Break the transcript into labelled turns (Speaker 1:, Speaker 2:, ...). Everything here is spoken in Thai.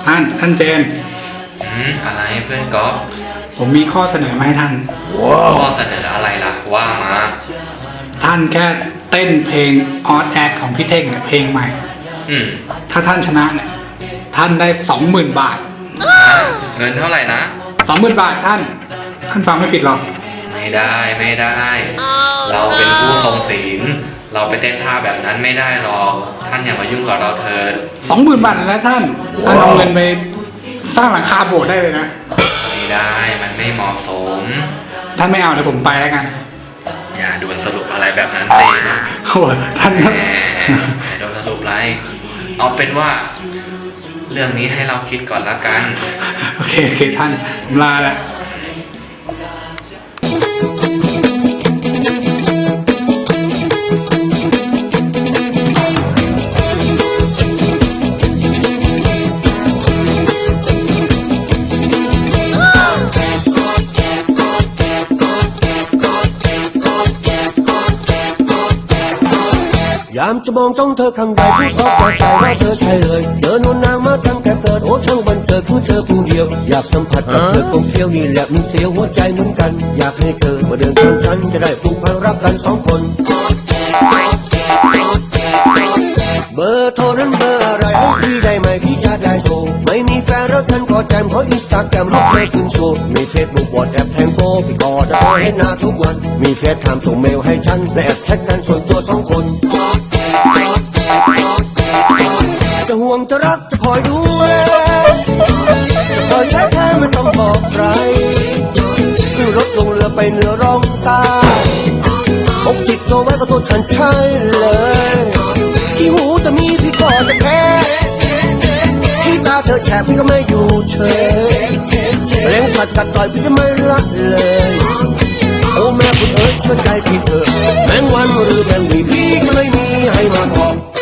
Speaker 1: ท่านเจน
Speaker 2: อะไรเพื่อนก๊อฟ
Speaker 1: ผมมีข้อเสนอมาให้ท่าน
Speaker 2: ข้อเสนออะไรล่ะว่ามา
Speaker 1: ท่านแค่เต้นเพลงออดแอดของพี่เท่งเนี่ยเพลงใหม่ถ้าท่านชนะเนี่ยท่านได้ 20,000 บาท
Speaker 2: เงินเท่าไหร่นะ
Speaker 1: 20,000 บาทท่านฟังไม่ผิดหรอก
Speaker 2: ไม่ได้เราเป็นผู้ทรงศีลเราไปเต้นท่าแบบนั้นไม่ได้หรอกท่านอย่ามายุ่งกับเราเถิด
Speaker 1: 20,000 บาทนะท่านเอาเงินไปสร้างหลังคาโบสถ์ได้เลยนะ
Speaker 2: ไม่ได้มันไม่เหมาะสม
Speaker 1: ท่านไม่เอาเดี๋ยวผมไปแล้วกัน
Speaker 2: อย่าด่วนสรุปอะไรแบบนั้นสิ
Speaker 1: โอ้ท่าน
Speaker 2: ด่วนสรุปอะไรเอาเป็นว่าเรื่องนี้ให้เราคิดก่อนละกัน
Speaker 1: โอเคท่านผมลาแล้ว
Speaker 3: ยามจะมองจ้องเธอครั้งใดที่เขาแปลกใจว่าเธอใช่เลยเจอนวลนางมาตั้งแต่เกิดโอ้ช่างบันเกิดคือเธอผู้เดียวอยากสัมผัสกับเธอกลมเกลียวนี่แหละมันเสียวหัวใจเหมือนกันอยากให้เธอมาเดินข้างฉันจะได้ผูกพันรักกัน2 คนเบอร์โทรนั้นเบอร์อะไรให้พี่ได้ไหมพี่จะได้โทรไม่มีแฟนแล้วฉันก็แจมขออินสตาแกรมรูปเธอขึ้นโชว์มีเฟซบุ๊กวอทแอปแทงโกพี่ก็จะโทรให้หน้าทุกวันมีเฟซไทม์ส่งเมลให้ฉันและแอบแชทกันส่วนตัว2 คนจะห่วงจะรักจะคอยดูแลจะคอยแท้ไม่ต้องบอกใครขึ้นรถลงเรือไปเหนือร่องใต้อกติดตัวไว้ก็ตัวฉันใช่เลยที่หูจะมีพี่ก็จะแพ้ที่ตาเธอแฉพี่ก็ไม่อยู่เฉยแรงสัตว์กัดต่อยพี่จะไม่ละเลยโอ้แม่คุณเอ๋ยเชื่อใจพี่เธอแมงวันหรือแมงวีพี่จะไม่มีให้มาบอก